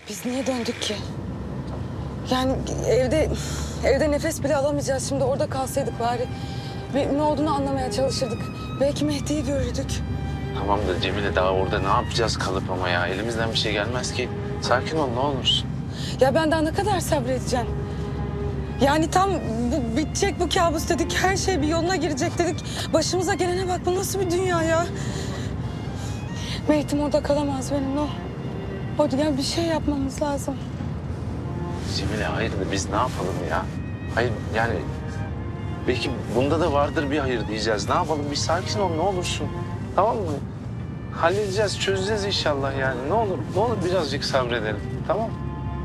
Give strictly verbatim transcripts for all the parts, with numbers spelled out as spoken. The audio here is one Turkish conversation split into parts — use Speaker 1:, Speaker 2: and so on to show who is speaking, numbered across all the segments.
Speaker 1: Biz niye döndük ki? Yani evde evde nefes bile alamayacağız. Şimdi orada kalsaydık bari. Bir, ne olduğunu anlamaya çalışırdık. Belki Mehdi'yi görürdük.
Speaker 2: Tamam da Cemile daha orada ne yapacağız kalıp ama ya? Elimizden bir şey gelmez ki. Sakin ol ne olursun.
Speaker 1: Ya ben daha ne kadar sabredeceğim? Yani tam bu bitecek bu kabus dedik. Her şey bir yoluna girecek dedik. Başımıza gelene bak, bu nasıl bir dünya ya? Mehdi'm orada kalamaz benimle o. O yani bir şey yapmamız lazım.
Speaker 2: Cemile hayır da biz ne yapalım ya? Hayır yani belki bunda da vardır bir hayır diyeceğiz. Ne yapalım? Bir sakin ol ne olursun. Tamam mı? Halledeceğiz, çözeceğiz inşallah yani. Ne olur, ne olur birazcık sabredelim. Tamam mı?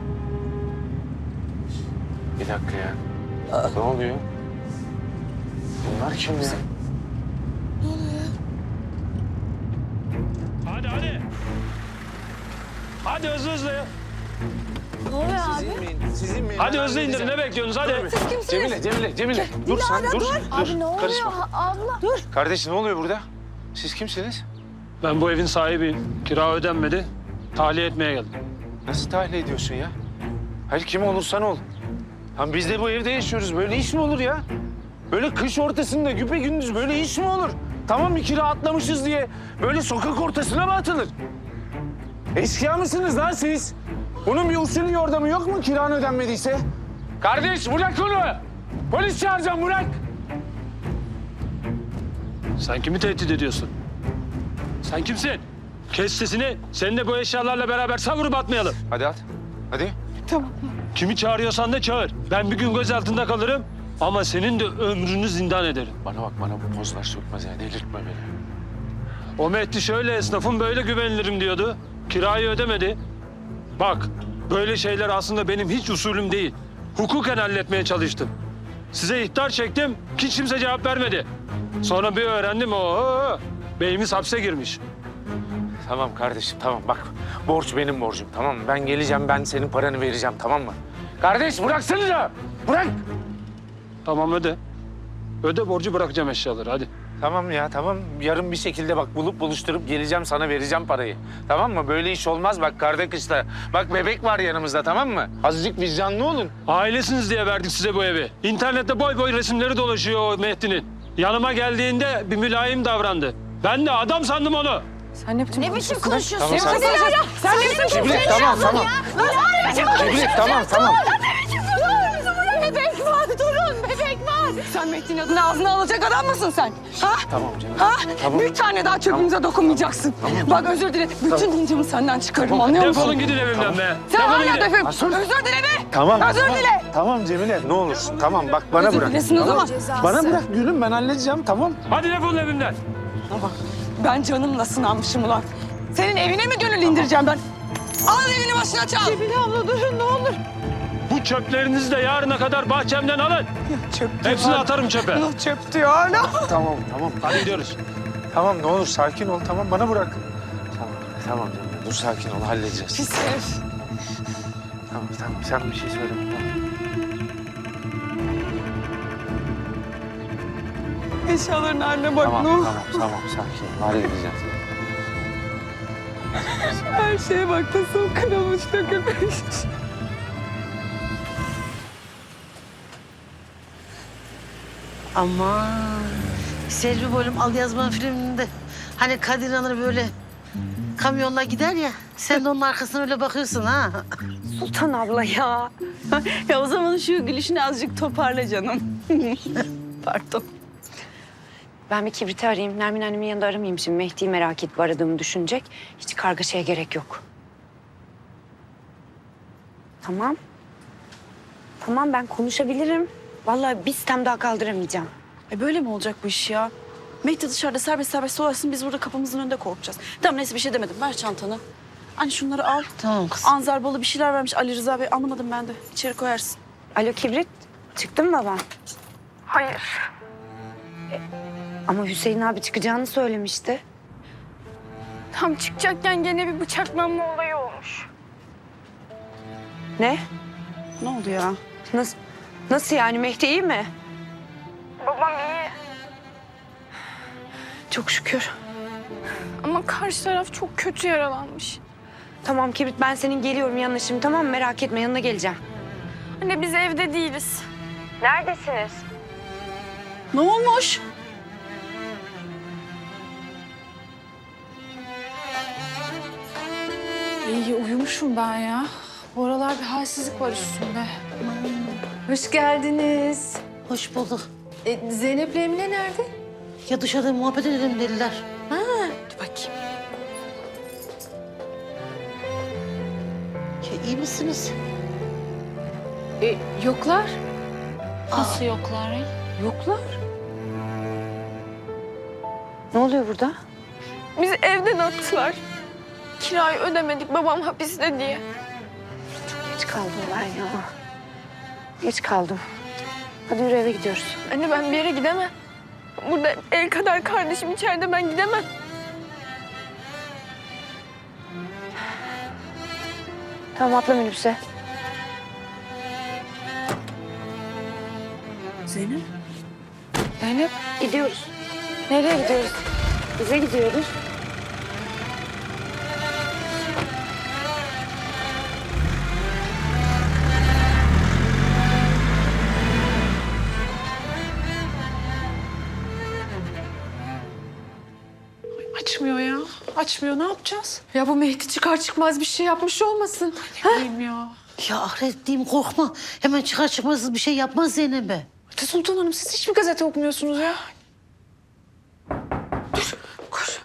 Speaker 2: Bir dakika ya. Ne oluyor? Bunlar kim ya?
Speaker 1: Ne oluyor ya?
Speaker 3: Hadi hadi. Hadi hızlı hızlı.
Speaker 1: Ne oluyor abi?
Speaker 2: Sizin mi?
Speaker 3: Hadi hızlı indirin, ne bekliyorsunuz hadi.
Speaker 1: Siz kimsiniz?
Speaker 2: Cemile, Cemile, Cemile. Dur sen, dur. Dur,
Speaker 4: Abi ne oluyor
Speaker 2: karışma.
Speaker 4: abla? Dur.
Speaker 2: Kardeş ne oluyor burada? Siz kimsiniz?
Speaker 3: Ben bu evin sahibiyim. Kira ödenmedi. Tahliye etmeye geldim.
Speaker 2: Nasıl tahliye ediyorsun ya? Hayır kim olursan ol. Lan biz de bu evde yaşıyoruz. Böyle iş mi olur ya? Böyle kış ortasında güpe gündüz böyle iş mi olur? Tamam bir kira atlamışız diye böyle sokak ortasına mı atılır? Eşkıya mısınız lan siz? Bunun bir usulü yordamı yok mu kiran ödenmediyse? Kardeş bırak onu! Polis çağıracağım bırak!
Speaker 3: Sen kimi tehdit ediyorsun? Sen kimsin? Kes sesini. Seni de bu eşyalarla beraber savurup atmayalım.
Speaker 2: Hadi at. Hadi.
Speaker 1: Tamam.
Speaker 3: Kimi çağırıyorsan da çağır. Ben bir gün gözaltında kalırım. Ama senin de ömrünü zindan ederim.
Speaker 2: Bana bak bana bu pozlar sökmez ya. Delirtme beni.
Speaker 3: O Mehdi şöyle esnafım böyle güvenilirim diyordu. Kirayı ödemedi. Bak böyle şeyler aslında benim hiç usulüm değil. Hukuken halletmeye çalıştım. Size ihtar çektim, hiç kimse cevap vermedi. Sonra bir öğrendim o beyimiz hapse girmiş.
Speaker 2: Tamam kardeşim tamam bak. Borç benim borcum tamam mı? Ben geleceğim ben senin paranı vereceğim tamam mı? Kardeş bıraksana. Bırak.
Speaker 3: Tamam öde. Öde borcu bırakacağım eşyaları hadi.
Speaker 2: Tamam ya tamam. Yarın bir şekilde bak bulup buluşturup geleceğim sana vereceğim parayı. Tamam mı? Böyle iş olmaz bak karda kışta. Bak bebek var yanımızda tamam mı? Azıcık vicdanlı olun.
Speaker 3: Ailesiniz diye verdik size bu evi. İnternette boy boy resimleri dolaşıyor o Mehdi'nin. Yanıma geldiğinde bir mülayim davrandı. Ben de adam sandım onu.
Speaker 1: Sen ne biçim
Speaker 4: Ne biçim
Speaker 1: konuşuyorsun?
Speaker 4: konuşuyorsun?
Speaker 2: Tamam,
Speaker 4: ya?
Speaker 2: sen-
Speaker 4: Ya, ya, Sen ne biçim
Speaker 2: Cemile,
Speaker 4: konuşuyorsun?
Speaker 2: tamam, tamam.
Speaker 4: Ya? Ne biçim konuşuyorsun?
Speaker 2: tamam tamam.
Speaker 4: Bebek var, durun bebek var.
Speaker 1: Sen Mehdi'nin adını ağzına alacak adam mısın sen? Ha?
Speaker 2: Tamam canım.
Speaker 1: Ha?
Speaker 2: Tamam.
Speaker 1: Bir tane daha çöpümüze dokunmayacaksın. Bak özür dile. Bütün incimi senden çıkarırım, anlıyor musun?
Speaker 3: Defolun gidin evimden be.
Speaker 1: Sen
Speaker 3: Defolun
Speaker 1: hala
Speaker 3: gidin.
Speaker 1: defol.
Speaker 2: Asıl-
Speaker 1: Özür dile be.
Speaker 2: Tamam.
Speaker 1: Özür
Speaker 2: tamam.
Speaker 1: dile.
Speaker 2: Tamam Cemile ne olursun. Tamam bak bana
Speaker 1: Özür
Speaker 2: bırak.
Speaker 1: dilesin o
Speaker 2: Tamam.
Speaker 1: zaman.
Speaker 2: Bana bırak gülüm ben halledeceğim tamam.
Speaker 3: Hadi defolun evimden.
Speaker 1: Ama ben canımla sınanmışım ulan. Senin evine mi gönül indireceğim ben? Al evini başına çal. Cemile abla durun ne olur.
Speaker 3: Bu çöplerinizi de yarına kadar bahçemden alın.
Speaker 1: Çöp diyor.
Speaker 3: Hepsini
Speaker 1: hala.
Speaker 3: atarım çöpe.
Speaker 1: Ya çöp diyor hala.
Speaker 2: Tamam tamam.
Speaker 3: Hadi gidiyoruz.
Speaker 2: Tamam ne olur sakin ol tamam bana bırak. Tamam tamam Cemile dur sakin ol halledeceğiz.
Speaker 1: Pis herif.
Speaker 2: Tamam tamam sen bir şey söyle.
Speaker 1: Eşyaların haline bak
Speaker 2: Tamam
Speaker 1: ne
Speaker 2: tamam
Speaker 1: olur.
Speaker 2: tamam, tamam sakin ol halledeceğiz.
Speaker 1: Her şeye bak nasıl kırılmış dökülmüş.
Speaker 5: Aman. Selvi Boylum Al Yazman filminde hani Kadir İnanır böyle kamyonla gider ya. Sen de onun arkasına öyle bakıyorsun ha.
Speaker 6: Sultan abla ya. Ya o zaman şu gülüşünü azıcık toparla canım. Pardon.
Speaker 7: Ben bir kibriti arayayım. Nermin annemin yanında aramayayım şimdi. Mehdi'yi merak edip aradığımı düşünecek. Hiç kargaşaya gerek yok. Tamam. Tamam ben konuşabilirim. Vallahi bir sitem daha kaldıramayacağım.
Speaker 6: E böyle mi olacak bu iş ya? Mehdi dışarıda serbest serbest dolaşsın, biz burada kapımızın önünde korkacağız. Tamam neyse bir şey demedim. Ver çantanı. Hani şunları al.
Speaker 5: Tamam kızım.
Speaker 6: Anzar balı bir şeyler vermiş Ali Rıza Bey. Anlamadım ben de. İçeri koyarsın.
Speaker 7: Alo kibrit. Çıktın mı baban?
Speaker 1: Hayır.
Speaker 7: E, ama Hüseyin abi çıkacağını söylemişti.
Speaker 4: Tam çıkacakken gene bir bıçaklanma olayı olmuş.
Speaker 7: Ne?
Speaker 6: Ne oldu ya?
Speaker 7: Nasıl, nasıl yani Mehdi iyi mi?
Speaker 4: Babam iyi
Speaker 6: Çok şükür.
Speaker 4: ama karşı taraf çok kötü yaralanmış.
Speaker 7: Tamam Kibrit, ben senin geliyorum yanına şimdi, tamam mı? Merak etme, yanına geleceğim.
Speaker 4: Anne biz evde değiliz.
Speaker 7: Neredesiniz?
Speaker 6: Ne olmuş?
Speaker 8: İyi uyumuşum ben ya. Bu aralar bir halsizlik var üstümde. Hoş geldiniz.
Speaker 5: Hoş bulduk.
Speaker 8: E, Zeynep'le Emine nerede?
Speaker 5: Ya dışarıda muhabbet edelim dediler.
Speaker 8: Dur bakayım.
Speaker 5: Ya iyi misiniz?
Speaker 8: E, yoklar.
Speaker 5: Nasıl
Speaker 8: yoklar ya?
Speaker 7: Yoklar. Ne oluyor burada?
Speaker 4: Bizi evden attılar. Kirayı ödemedik babam hapiste diye.
Speaker 7: Geç kaldım ben ya. Geç kaldım. Hadi yürü, eve gidiyoruz.
Speaker 4: Anne ben bir yere gidemem. Burada el kadar kardeşim içeride, ben gidemem.
Speaker 7: Tamam, atla minibüse.
Speaker 6: Zeynep.
Speaker 7: Zeynep, gidiyoruz. Nereye gidiyoruz? Bize gidiyoruz.
Speaker 8: Açmıyor ya. Açmıyor. Ne yapacağız? Ya bu Mehdi çıkar çıkmaz bir şey yapmış olmasın. Ne bileyim ya.
Speaker 5: Ya Ahiret diyeyim korkma. Hemen çıkar çıkmaz bir şey yapmaz Zeynep'e.
Speaker 8: Hadi Sultan Hanım, siz hiç mi gazete okumuyorsunuz ya? Dur, koş.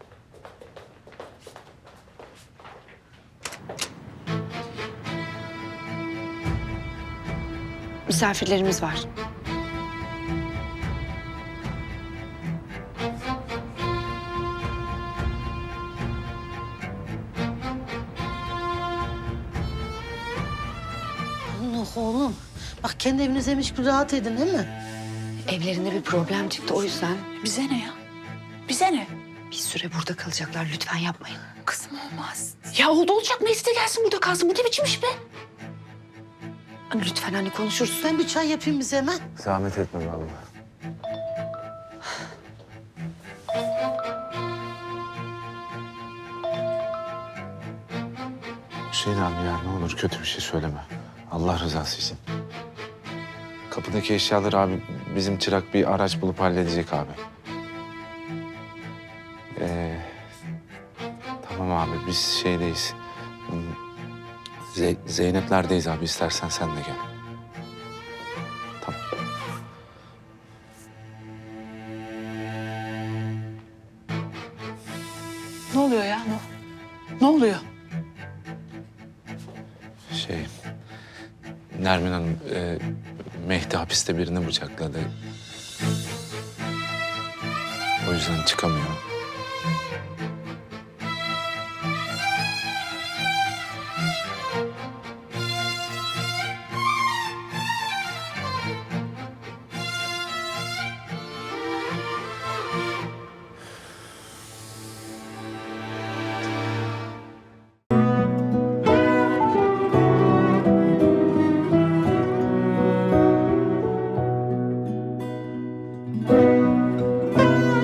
Speaker 7: Misafirlerimiz var.
Speaker 5: Allah oğlum. Bak kendi evinizeymiş gibi rahat edin değil mi?
Speaker 7: Evlerinde bir problem çıktı, o yüzden
Speaker 8: Bize ne ya? Bize ne?
Speaker 7: bir süre burada kalacaklar. Lütfen yapmayın.
Speaker 8: Kızım olmaz. Ya oldu olacak. Mehdi de gelsin burada kalsın. Bu ne biçim iş be?
Speaker 7: Lütfen hani konuşuruz.
Speaker 5: Ben bir çay yapayım bize hemen.
Speaker 2: Zahmet etme vallahi. Hüseyin abi ya ne olur kötü bir şey söyleme. Allah rızası için. Kapıdaki eşyaları abi bizim çırak bir araç bulup halledecek abi. Ee, tamam abi biz şeydeyiz. Ze- Zeynep'lerdeyiz abi, istersen sen de gel. Tamam.
Speaker 8: Ne oluyor ya? Ne, ne oluyor?
Speaker 2: Şey, Nermin Hanım, e, Mehdi hapiste birini bıçakladı. O yüzden çıkamıyor.